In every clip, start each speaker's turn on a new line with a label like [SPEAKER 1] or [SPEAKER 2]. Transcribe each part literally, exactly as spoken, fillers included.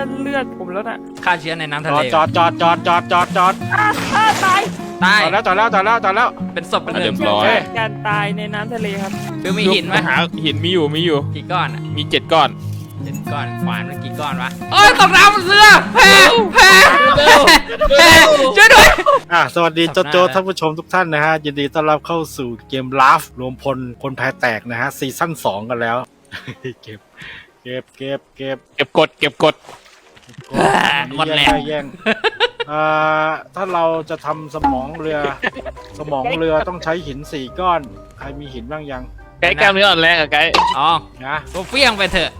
[SPEAKER 1] อนเลือดผมแล้วน่ะ
[SPEAKER 2] ฆ่าเชื้อในน้ำทะเล
[SPEAKER 3] จอดจอดจอดจอดจอดจอด
[SPEAKER 1] ตาย
[SPEAKER 2] ตาย
[SPEAKER 3] จอดแล้วจอดแล้วจอดแล้วจอดแล้ว
[SPEAKER 2] เป็นศพเป็นเลือด
[SPEAKER 1] การตายในน้ำทะเลครับ
[SPEAKER 2] คือมีหินไหม
[SPEAKER 4] หาหินมีอยู่มีอยู่
[SPEAKER 2] กี่ก้อนอ่ะ
[SPEAKER 4] มีเจ็ดก้อน
[SPEAKER 2] เจ็ดก้อนขวานมันกี่ก้อนวะโอ้ยตกน้ำเรือแพ้แพ้แพ้ช่วยด้วย
[SPEAKER 3] อ่ะสวัสดีโจโจท่านผู้ชมทุกท่านนะฮะยินดีต้อนรับเข้าสู่เกมลาฟรวมพลคนแพ้แตกนะฮะซีซั่นสองกันแล้วเก็บเก็บเก็บเก็บ
[SPEAKER 4] เก็บกดเก็บกด
[SPEAKER 2] หมดแล้ว
[SPEAKER 3] แย่งอ่าถ้าเราจะทำสมองเรือสมองเรือต้องใช้หินสี่ก้อนใครมีหินบ้างยัง
[SPEAKER 4] ไก่กล้ามเนื้ออ่อนแรงอะไก่
[SPEAKER 2] อ๋อ
[SPEAKER 3] นะ
[SPEAKER 2] กูเฟี้ยงไปเถอะ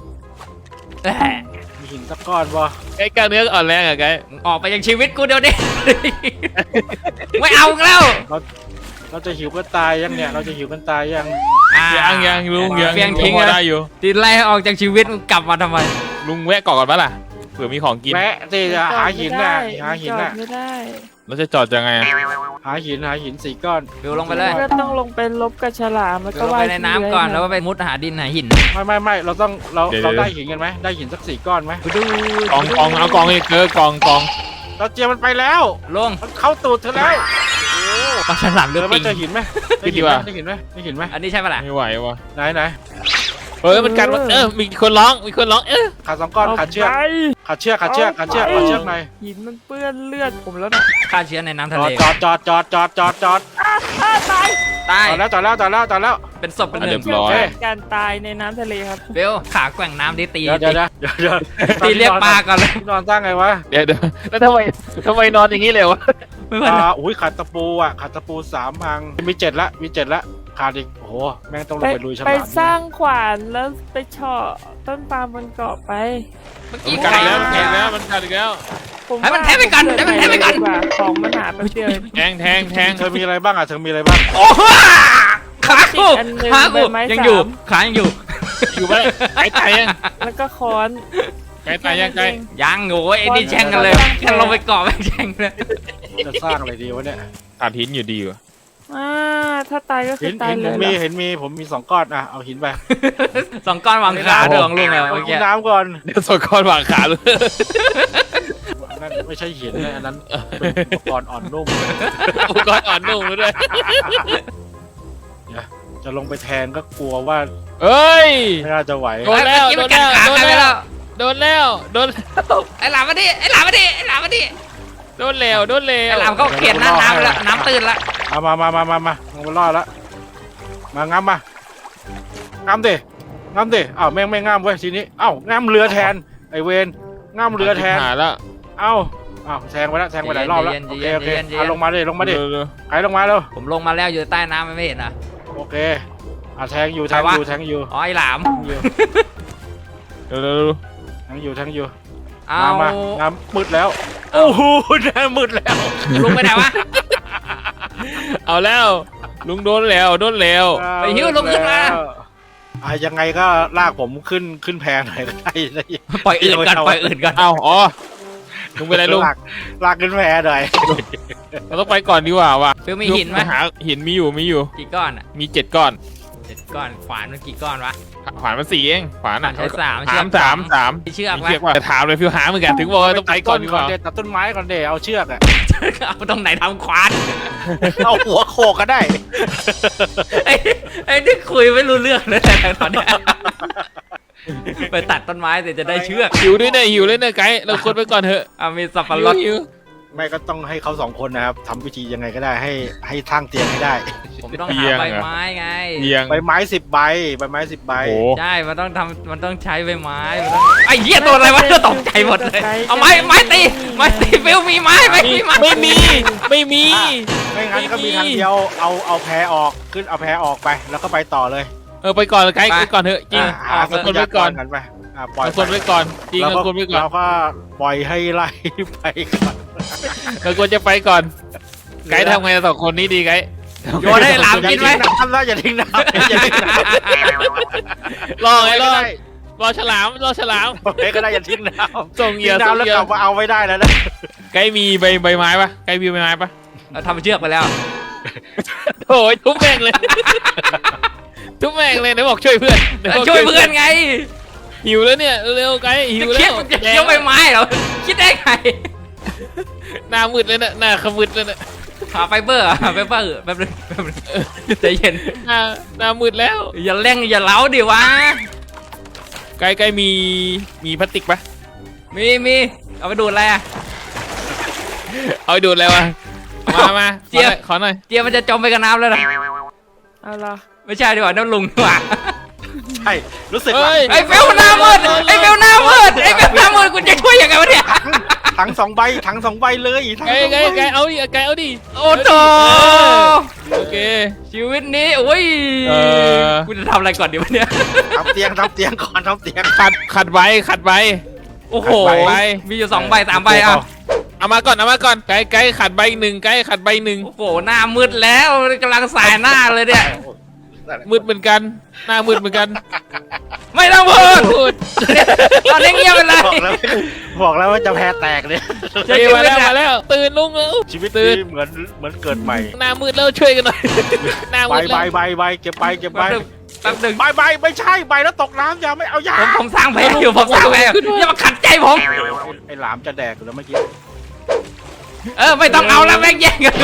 [SPEAKER 3] มีหินสักก้อนบ่
[SPEAKER 4] ไก่กล้ามเนื้ออ่อนแรงอะไก่
[SPEAKER 2] ออกไปจากชีวิตกูเดี๋ยวนี้ไม่เอาแล้ว
[SPEAKER 3] เราเราจะหิวกันตายยังเนี่ยเราจะหิวกันตายยัง
[SPEAKER 4] ยังยังลุงยัง
[SPEAKER 2] เฟี้ยงทิ้ง
[SPEAKER 4] ได้อยู่
[SPEAKER 2] ตีไล่ออกจากชีวิตมึงกลับมาทำไม
[SPEAKER 4] ลุงแวะก่อนก่อนปะล่ะเผื่อมีของกิน
[SPEAKER 3] แวะสิจะหาหินน่ะหาหินน่ะ
[SPEAKER 1] ไม่ได้
[SPEAKER 4] เราจะจอดยังไง
[SPEAKER 3] หาหินหาหินสี่ก้อน
[SPEAKER 2] ฟิวลงไปเลย
[SPEAKER 1] ก็ต้องลงไปลบกับฉลามแล้วก็
[SPEAKER 2] ว่ายไปในน้ำก่อนแล้วก็ไปมุดหาดินหาหิน
[SPEAKER 3] ไม่ไม่ไม่เราต้องเราเราได้หินกันไหมได้หินสักสี่ก้อนไหม
[SPEAKER 2] ดู
[SPEAKER 4] กองกองเอากองอีกเกอกองกอง
[SPEAKER 3] เราเจียมันไปแล้ว
[SPEAKER 2] ลง
[SPEAKER 3] มันเข้าตูดเธอแล้ว
[SPEAKER 2] ปลาฉลามเรือปิง
[SPEAKER 3] เจอหินไหมได้หินไหมได้หินไหมได้หินไหม
[SPEAKER 2] อันนี้ใช่ปะล่ะ
[SPEAKER 4] ไม่ไหววะ
[SPEAKER 3] ไหนไหน
[SPEAKER 4] เฮ้ยมันกัดเออมีคนร้องมีคนร้องเออ
[SPEAKER 3] ขาดสองก้อนขาดเชือกขาดเชือกขาดเชือกขาดเชือกขาดเชือกหน่อย
[SPEAKER 1] หินมันเปื้อนเลือดผมแล้วน่ะ
[SPEAKER 2] ฆ่าเชื้อในน้ำทะเล
[SPEAKER 3] จอดจอดจอดจอดจอดจอด
[SPEAKER 1] ตาย
[SPEAKER 2] ตาย
[SPEAKER 3] จอดแล้วจอดแล้วจอดแล้วจอดแล้ว
[SPEAKER 2] เป็นศพเป็นเลือด
[SPEAKER 1] การตายในน้ำทะเลครับ
[SPEAKER 2] เบลขาแกว่งน้ำดิตี
[SPEAKER 3] เดี๋ยวเดี๋ยวเดี๋ยวเดี๋ยว
[SPEAKER 2] ตีเรียกปลาก่อนเลย
[SPEAKER 3] นอนตั้งไงวะ
[SPEAKER 4] เดี๋ยวเดี๋ยวแล้วทำไมทำไมนอนอย่างนี้เลยวะ
[SPEAKER 2] ไม่เป็น
[SPEAKER 3] ไรอุ้ยขาดตะปูอ่ะขาดตะปูสามพังมีเจ็ดละมีเจ็ดละขาดอีกโอ้โหแม่งต้องลงไปลุยฉลาม
[SPEAKER 1] ไปสร้างขวานแล้วไปเฉาะต้นปาล์มบนเกาะไป
[SPEAKER 2] เมื่อกี้
[SPEAKER 4] กัดแล้วกัดแล้วมันกัดอีกแล้ว
[SPEAKER 2] ให้มันแทงไปก่อนให้มันแทงไปก่อน
[SPEAKER 1] ของมันหาไปเดียว
[SPEAKER 4] แทงแทงแทง
[SPEAKER 3] เธอมีอะไรบ้างอ่ะเธอมีอะไรบ้าง
[SPEAKER 2] โอ้โหขากูขากูยังอยู่ขายังอยู่
[SPEAKER 4] อยู่ไหมไก่ตายยัง
[SPEAKER 1] แล้วก็ค้อน
[SPEAKER 4] ไก่ตายยังไก่
[SPEAKER 2] ยังโง่ไอ้นี่แช่งกันเลยแค่ลงไปเกาะไปแช่งเลย
[SPEAKER 3] จะสร้างอะไรดีวะเนี่ย
[SPEAKER 4] ขาดหินอยู่ดีวะ
[SPEAKER 1] อ่าถ้าตายก็คือตายเลย
[SPEAKER 3] มีเห็นมีผมมีสองก้อนอ่ะเอาหินไป
[SPEAKER 2] สองก้อนวางขาดวงลุงเลยเมื่อกี้
[SPEAKER 3] น้ำก่อน
[SPEAKER 4] เดี๋ยวสองก้อนวางขาเลย
[SPEAKER 3] นั่นไม่ใช่หินนะอันนั้นเป็นอุปกรณ์อ่อนนุ่ม
[SPEAKER 4] อุปกรณ์อ่อนนุ่มด้วย
[SPEAKER 3] จะลงไปแทนก็กลัวว่า
[SPEAKER 4] เอ้ย
[SPEAKER 3] ไม่น่าจะไหว
[SPEAKER 4] โดนแล้วโดนแล้วโดนแล้วโดนแล้วโดน
[SPEAKER 2] ไอ้หลามมาดิไอ้หลามมาดิไอ้หลามมาดิ
[SPEAKER 4] โดนแล้วโดนแล้ว
[SPEAKER 2] ไอ้หลามเขาเขียนน้ำน้ำแล้วน้ำตื่นละ
[SPEAKER 3] เอามามามามามาลงไปรอดแล้วมาง้ำมาง้ำดิง้ำดิอ้าวแม่งไม่ง้ำเว้ยทีนี้อ้าวง้ำเรือแทนไอเวนง้ำเรือแทน
[SPEAKER 4] แล้ว
[SPEAKER 3] เอ้าอ้าวแทงไปแล้วแทงไปหลายรอบแล้วโอเคโอเคเอาลงมาดิลงมาดิใครลงมาเร็ว
[SPEAKER 2] ผมลงมาแล้วอยู่ใต้น้ำไม่เห็นอ่ะ
[SPEAKER 3] โอเคอ่ะแทงอยู่แทงอยู่แทงอยู่
[SPEAKER 2] อ๋อไอหลาม
[SPEAKER 4] เร็ว
[SPEAKER 3] แทงอยู่แทงอยู่
[SPEAKER 2] เอา
[SPEAKER 3] มาน้ำมืดแล้วโอ้โหน้ำมืดแล้ว
[SPEAKER 2] ลุงไปไหนวะ
[SPEAKER 4] เอาแล้วลุงโดนแล้วโดนแล้ว
[SPEAKER 2] ไปหิ้วลุงขึ้นมา
[SPEAKER 3] อ่ะยังไงก็ลากผมขึ้นขึ้นแพหน่อยก็ได้
[SPEAKER 2] ปล่อยอื่นกันปล่อยอื่นกัน
[SPEAKER 4] เอาอ๋อลุงไปไหนลุง
[SPEAKER 3] ลากขึ้นแพหน่อย
[SPEAKER 4] เราต้องไปก่อนดีกว่าว่ะ
[SPEAKER 2] คือมีหินไหม
[SPEAKER 4] หาหินมีอยู่มีอยู่
[SPEAKER 2] กี่ก้อนอ่ะ
[SPEAKER 4] มีเจ็ดก้อน
[SPEAKER 2] เจ็ดก้อนขวานมันกี่ก้อนวะ
[SPEAKER 4] ขวานมันสี่เองขวานอ่ะ
[SPEAKER 2] ใช้สาม
[SPEAKER 4] สามสามสาม
[SPEAKER 2] เชือก
[SPEAKER 4] ว่าจะถามเลยพี่หาเหมือนกันถึงบอกว่าต้องไปก่อนดีกว่า
[SPEAKER 3] ตัดต้นไม้ก่อนเดี๋ยวเอาเชือกอ่ะ
[SPEAKER 2] เอาตรงไหนทำขวาน
[SPEAKER 3] เอาหัวโขกก็ได้
[SPEAKER 2] ไอ้ไอ้นี่คุยไม่รู้เรื่องเลยแต่ตอนนี้ไปตัดต้นไม้แต่จะได้เชือก
[SPEAKER 4] หิวด้วยเนี่ยหิวเลยเนี่ยไกด์เราคนไปก่อนเถอะ
[SPEAKER 2] เอามีสับปะรด
[SPEAKER 3] ไม่ก็ต้องให้เขาสองคนนะครับทำวิธียังไงก็ได้ให้ให้ทางเตียงให้ได้
[SPEAKER 2] ผมต้องหาใบไม้ไง
[SPEAKER 3] ใบไม้สิบใบใบไม้สิบใบ
[SPEAKER 2] ใช่มันต้องทำมันต้องใช้ใบไม้ไอ้เหี้ยตัวอะไรวะตกใจหมดเลยเอาไม้ไม้ตีไม้ตีฟิวมีไม้ไม่มีไม้
[SPEAKER 4] ไม่มีไม่มี
[SPEAKER 3] ไม่งั้นก็มีทางเดียวเอาเอาแพออกขึ้นเอาแพออกไปแล้วก็ไปต่อเลย
[SPEAKER 4] เออไปก่อนไกด์ไปก่อนเถอะจริง
[SPEAKER 3] เอาคนไว้ก่อนกันไป
[SPEAKER 4] ปล่อยคนไว้ก่อนจริงเราคนไว้ก่อน
[SPEAKER 3] เราก็ปล่อยให้ไล่ไปก่อน
[SPEAKER 4] เราควรจะไปก่อนไกด์ทำไงสองคนนี้ดีไกด์
[SPEAKER 2] โยนให้หลามกินไหม
[SPEAKER 3] ทำแล้วอย่าทิ้งน้ำอย่าทิ้งน้
[SPEAKER 4] ำรอไงรอรอฉลามรอฉลาม
[SPEAKER 3] เฮ้ยก็ได้อย่าทิ้งน้ำ
[SPEAKER 4] ส่งเหยื่อ
[SPEAKER 3] น้ำแล้วกลับมาเอาไว้ได้แล้วนะ
[SPEAKER 4] ไกด์มีใบใบไม้ปะไกด์มีใบไม้ปะ
[SPEAKER 2] เราทำเชือกไปแล้ว
[SPEAKER 4] โอ้ยทุบแม่งเลยทุบแม่งเลยไหนบอกช่วยเพื่อน
[SPEAKER 2] ช่วยเพื่อนไง
[SPEAKER 4] หิวแล้วเนี่ยเร็วๆไกด์หิ
[SPEAKER 2] จะ
[SPEAKER 4] ว
[SPEAKER 2] เคี้
[SPEAKER 4] แล้
[SPEAKER 2] ยว
[SPEAKER 4] ว
[SPEAKER 2] จะเคี้ยวใบไม้เหรอคิดได้ไง
[SPEAKER 4] หน้ามืดเลยนะหน้าขมืดเลยนะ
[SPEAKER 2] หาไฟเบอร์หาไฟเบอร์แป๊บนึงแป๊บนึงใจเย็น
[SPEAKER 4] หน้าหน้ามืดแล้ว
[SPEAKER 2] อย่าเร่งอย่าเล้าดิวะ
[SPEAKER 4] ไกด์ไกด์มีมีพลาสติกปะ
[SPEAKER 2] มีมีเอาไปดูดอะไรอ่ะ
[SPEAKER 4] เอาไปดูดแล้ววะมามา
[SPEAKER 2] เจี๊ยบ
[SPEAKER 4] ขอหน่อย
[SPEAKER 2] เจียมันจะจมไปกับน้ำแล้วนะ
[SPEAKER 1] เอาละ
[SPEAKER 2] ไม่ใช่ดีกว่าน้ำลุงดีกว่า
[SPEAKER 3] ใช่รู้สึก
[SPEAKER 4] เฮ้
[SPEAKER 3] ว่าย
[SPEAKER 2] ไอ้เฟลหน้ามืดไอ้เฟลหน้ามืดไอ้เฟลหน้ามืดกูจะช่วยยังไงวะเนี่ย
[SPEAKER 3] ถังสองใบถังสองใบเลยถัง
[SPEAKER 4] ไก
[SPEAKER 3] ส
[SPEAKER 4] ด์
[SPEAKER 3] อง
[SPEAKER 4] ไก
[SPEAKER 3] ใบ
[SPEAKER 4] ด์ไกด์เอาดิไกด์เอาดิ
[SPEAKER 2] โอ้โห
[SPEAKER 4] โอเค
[SPEAKER 2] ชีวิตนี้โอ้ย
[SPEAKER 4] เออ
[SPEAKER 2] กูจะทำอะไรก่อนดีวะเนี่ย
[SPEAKER 3] ทำเตียงทำเตียงก่อนทำเตียง
[SPEAKER 4] ขัดขัดไว้ขัดไว้
[SPEAKER 2] โอ้โห
[SPEAKER 4] ไป
[SPEAKER 2] มีอยู่สองใบสามใบอ่ะ
[SPEAKER 4] เอามาก่อนเอามาก่อนไกด์ไกด์ขัดใบหนึ่งไกด์ขัดใบหนึ่ง
[SPEAKER 2] โอ้โหหน้ามืดแล้วกำลังสายหน้าเลยเนี่ย
[SPEAKER 4] มืดเหมือนกันหน้ามืดเหมือนกัน
[SPEAKER 2] ไม่ต้องพูด
[SPEAKER 4] พูด
[SPEAKER 2] ตอนนี้เงียบไปเลย
[SPEAKER 3] บอกแล้วบอกแล้วว่าจะแพ้แตกเลย
[SPEAKER 2] จะ
[SPEAKER 4] เฮ้ย
[SPEAKER 2] ชีวิ
[SPEAKER 4] มา
[SPEAKER 2] ต
[SPEAKER 4] แล้ว
[SPEAKER 2] อะ
[SPEAKER 4] มาแล้วตื่นลุงแล้ว
[SPEAKER 3] ชีวิต
[SPEAKER 4] ตื่
[SPEAKER 3] นี้
[SPEAKER 4] น
[SPEAKER 3] เหมือนเหมือนเกิดใหม่
[SPEAKER 4] หน้ามืดแล้วช่วยกันหน่อยหน้า
[SPEAKER 3] ใบ
[SPEAKER 4] มืด
[SPEAKER 3] ใบ
[SPEAKER 4] แล้ว
[SPEAKER 3] ใบใบเก็บใบเก็บใบ
[SPEAKER 2] แป๊บนึงแป๊บนึง
[SPEAKER 3] ใบใบไม่ใช่ใบแล้วตกน้ำอย่าไม่เอายา
[SPEAKER 2] ผมผมสร้างแผลอยู่ผมสร้างแผลอยู่อย่ามาขัดใจผม
[SPEAKER 3] ไอ้หลามจะแดกอยู่แล้วเมื่อกี้
[SPEAKER 2] เออไม่ต้องเอาแล้วแม่งแย่งกันอยู่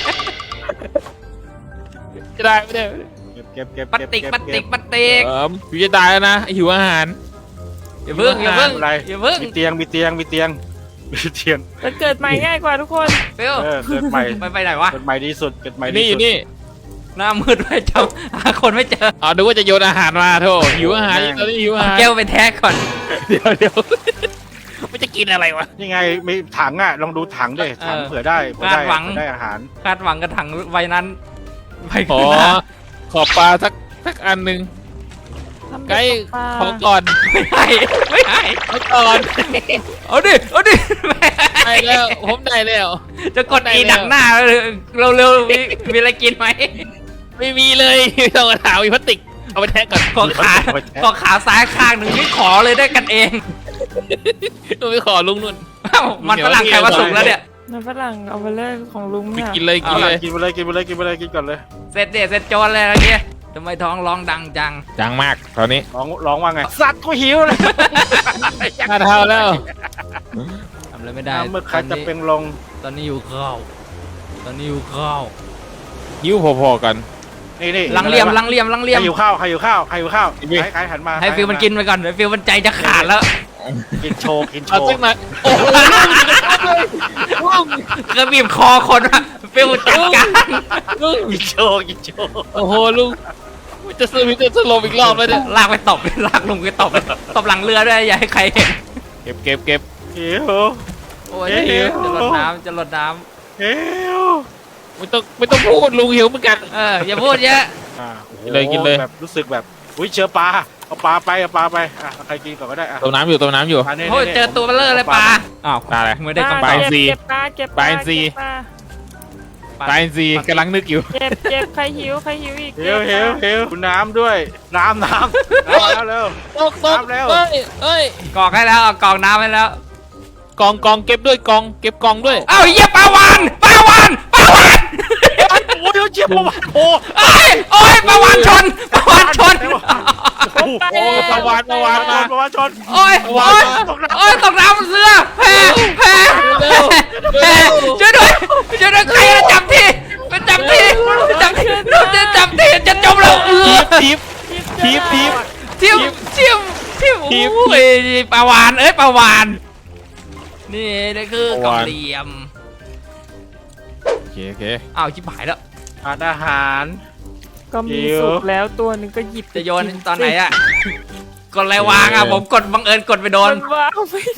[SPEAKER 4] จะได้ไม่ได้
[SPEAKER 3] เก็บเก็บ
[SPEAKER 2] ปัต
[SPEAKER 3] เก็บ
[SPEAKER 2] ติก
[SPEAKER 3] เก็บ
[SPEAKER 2] ปัตติ
[SPEAKER 3] เก็
[SPEAKER 2] ก
[SPEAKER 3] บ
[SPEAKER 2] ปัตติก
[SPEAKER 4] เอออยู่จะตายแล้วนะหิวอาหาร
[SPEAKER 2] อย่าเพิ่งอย่าเพิ่ง
[SPEAKER 3] อะไร
[SPEAKER 2] อย่าเพิ่ง
[SPEAKER 3] มีเตียงมีเตียงมีเตียงมีเตียง
[SPEAKER 1] จะเกิดใหม่ง่ายกว่าทุกคน
[SPEAKER 2] เฟล
[SPEAKER 3] เออเกิดใหม่
[SPEAKER 2] ไปไปไหนวะ
[SPEAKER 3] เกิดใหม่ดีสุดเกิดใหม่
[SPEAKER 4] อยู่
[SPEAKER 3] ดี
[SPEAKER 4] นี่อ
[SPEAKER 3] สุด
[SPEAKER 4] ยู่นี่
[SPEAKER 2] หน้ามืดไปจำหาคนไม่เจอ
[SPEAKER 4] อ๋อดูว่าจะโยนอาหารมาโธ่หิวอาหารตอนนี้หิวอาหาร
[SPEAKER 2] แก้วไปแท็กก่อน
[SPEAKER 4] เดี๋ยวเดี๋ยวมันจะกินอะไรวะ
[SPEAKER 3] นี่ไงมีถังอ่ะลองดูถังดิถังเผื่อได้เผื่อได้เผื่อได้อาหาร
[SPEAKER 2] คาดหวังกระถังใบนั้นใบ
[SPEAKER 4] ขอ
[SPEAKER 2] ขึ้นหน้า
[SPEAKER 4] ขอปลาสักสักอันหนึ่ง
[SPEAKER 1] ทำ
[SPEAKER 4] ไกด์
[SPEAKER 1] ปลา
[SPEAKER 4] ขอก่อน
[SPEAKER 2] ไม่ให้ไม่ให้
[SPEAKER 4] ขอก่อน
[SPEAKER 2] เอาดิเอาดิ
[SPEAKER 4] ได้แล้วผมได้แล้ว
[SPEAKER 2] จะกดอีดักหน้าเร็วเร็วๆมีมีอะไรกินไหม
[SPEAKER 4] ไม่มีเลยไม่ต้องมาถามมีพลาสติกเอาไปแทะก่อน
[SPEAKER 2] ขอขาขอขาซ้ายข้างหนึ่งนี่ขอเลยได้กันเอง
[SPEAKER 4] ต้องไปขอลุงนุ่น
[SPEAKER 2] เอ้ามันฝรั่งใครว่าสุกแล้วเนี่ย
[SPEAKER 1] น้ำฝรั่งเอาไปเลยของลุง
[SPEAKER 4] ไป
[SPEAKER 1] เนี่ย
[SPEAKER 4] กินเลยกินเลย
[SPEAKER 3] กินไปเลยกินไปเลยกินไปเลยกินก่อนเลย
[SPEAKER 2] เสร็จเด็ดเสร็จโจรเลยอะไรเงี้ยทำไมท้องร้องดังจัง
[SPEAKER 4] จังมากตอนนี้
[SPEAKER 3] ร้องร้องว่าไงสัตว์กูหิวเลย
[SPEAKER 4] หน้าเท่าแล้ว
[SPEAKER 2] ทำอะไรไม่ได้
[SPEAKER 3] น้ำมือใครจะเป็นลง
[SPEAKER 2] ตอนนี้อยู่ข้าวตอนนี้อยู่ข้าว
[SPEAKER 4] หิวพอๆกัน
[SPEAKER 3] นี่นี่
[SPEAKER 2] ลังเหลี่ยมลังเหลี่ยมลังเห
[SPEAKER 3] ใค
[SPEAKER 2] ลี่ย
[SPEAKER 3] ร
[SPEAKER 2] ม
[SPEAKER 3] อยู่ข้าวใครอยู่ข้าวใครอยู่ข้าว
[SPEAKER 4] นี่
[SPEAKER 3] ใครใครหันมา
[SPEAKER 2] ให้ฟิลมันกินไปก่อนเดี๋ยวฟิลมันใจจะขาดแล้ว
[SPEAKER 3] กินโชว์กินโช
[SPEAKER 4] เอา
[SPEAKER 3] ว์
[SPEAKER 4] สักหน่อยโอ้โหลุง
[SPEAKER 2] ก็บีบคอคนอะฟิลจัดการ
[SPEAKER 4] ลุง
[SPEAKER 3] กินโชว์กินโชว์
[SPEAKER 4] โอ้โหลุงจะซื้อมิจะสลบอีกรอบแล้วเนี่ย
[SPEAKER 2] ลากไปตบลากลงไปตบตบหลังเรือด้วยอย่าให้ใครเห็น
[SPEAKER 4] เก็บเก็บเก็บ
[SPEAKER 3] หิว
[SPEAKER 2] โอ้ย
[SPEAKER 3] เอ๊ะ
[SPEAKER 2] จะหลดน้ำจะหลดน้
[SPEAKER 3] หิว
[SPEAKER 4] ไม่ต้องไม่ต้องพูดลุงหิวเหมือนกัน
[SPEAKER 2] ำเอออย่าพูดเยอะ
[SPEAKER 3] อ่าโอ้โห
[SPEAKER 4] กินเลยกินเลย
[SPEAKER 3] แบบรู้สึกแบบอุ้ยเจอปลาเอาปลาไปเอาปลาไปอ่ะใครกินก่อนก็ได้อ่ะ
[SPEAKER 4] ต้มน้ำอยู่ต้มน้ำอยู่
[SPEAKER 3] ปลานี่
[SPEAKER 2] โอ้ย
[SPEAKER 3] นี่
[SPEAKER 2] เจอตัวเบลเลอร์เลยปลาอ้าว
[SPEAKER 4] ปลาอะไร
[SPEAKER 2] ไม่ได้กำ
[SPEAKER 4] ป
[SPEAKER 2] ไร
[SPEAKER 4] ลาอินทรี
[SPEAKER 1] เก็บปลาเก็บปลา
[SPEAKER 4] ปลาอินทรี
[SPEAKER 1] เก็บปลา
[SPEAKER 4] ปลาอินทรีกำลังนึกอยู่
[SPEAKER 1] เก็บเก็บใครหิวใครหิวอีก
[SPEAKER 3] หิวหิวหิวคุณน้ำด้วยน้ำน้ำน้ำแล้วเร็ว
[SPEAKER 4] ตกตก
[SPEAKER 3] น้ำแล้ว
[SPEAKER 4] เอ้ยเอ้ย
[SPEAKER 2] กรอกให้แล้วเอากรอกน้ำให้แล้ว
[SPEAKER 4] กองกองเก็บด้วยกองเก็บกองด้วย
[SPEAKER 2] เอ้าเยี่ยปลาวานปลาวานปลาวาน
[SPEAKER 3] โอ้ยเจี๊ยบประวัติโอ้
[SPEAKER 2] โอ้ยโอ้ยปลาวานชนปลาวานชน
[SPEAKER 3] โอ้โห
[SPEAKER 4] ประวัติประวัติมา
[SPEAKER 3] ประวัติชน
[SPEAKER 2] โอ้ยโอ้ยโอ้ยตกน้ำเรือแพ้แพ้แพ้แพ้ช่วยด้วยช่วยด้วยใครจะจับทีไปจับทีจับทีนู่นจะจับทีจะจมแล้วเออ
[SPEAKER 4] ทิปทิปทิป
[SPEAKER 2] เทียมเทียมเทียม
[SPEAKER 4] ทีม
[SPEAKER 2] โอ้ยปลาวานเอ้ยปลาวานนี่นี่คือกองเหลี่ยม
[SPEAKER 4] โอเคโอเค
[SPEAKER 2] อ้าวชิบหายแล้ว
[SPEAKER 3] ทานอาหาร
[SPEAKER 1] ก็มี
[SPEAKER 3] หิว
[SPEAKER 1] สุกแล้วตัวหนึ่งก็หยิบ
[SPEAKER 2] จะโยนตอนไหนอะกดอะไรวางอะผมกดบังเอิญกดไปโดน
[SPEAKER 1] มันว้าวไม่ได้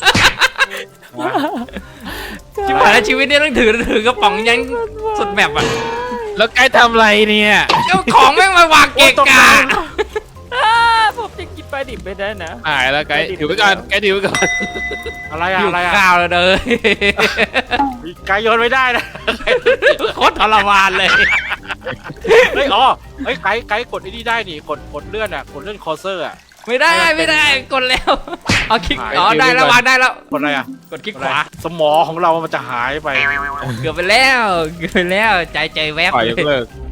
[SPEAKER 2] ชิบหายแล้วชีวิตนี้ต้องถือถือกระป๋องยันสุดแมปอะ
[SPEAKER 4] แล้วไกด์ทำอะไรเนี่ย
[SPEAKER 2] เจ้าของแม่งมาวางเกะกะ
[SPEAKER 1] อ่าผมจะกินปลาดิบไม่ได้นะ
[SPEAKER 4] หายแล้วไกด์ถือไว้ก่อนไกด์ถือไว้ก่อน
[SPEAKER 3] อะไร
[SPEAKER 2] อ
[SPEAKER 3] อะ
[SPEAKER 2] ยู่
[SPEAKER 3] อะไรอะ
[SPEAKER 2] ข้าวเลยเด้อ
[SPEAKER 3] ไก่โยนไม่ได้นะ
[SPEAKER 2] โคตรทรมานเลย
[SPEAKER 3] เฮ้ยอ๋อเฮ้ยไก่ไก่กดไอ้นี่ได้นี่กดกดเลื่อนอ่ะกดเลื่อนคอร์เซอร์อ่ะ
[SPEAKER 2] ไม่ได้ไม่ได้กดแล้วเอาคลิก
[SPEAKER 3] หาย
[SPEAKER 2] อ๋อได้แล้ววางได้แล้ว
[SPEAKER 3] กดอะไรอ่ะ
[SPEAKER 2] กดคลิกขวา
[SPEAKER 3] สมองของเรามันจะหายไป
[SPEAKER 2] เกือบไปแล้วเกือบไปแล้วใจใจแวบ
[SPEAKER 4] ปล่อย
[SPEAKER 2] เลย
[SPEAKER 4] กเลิก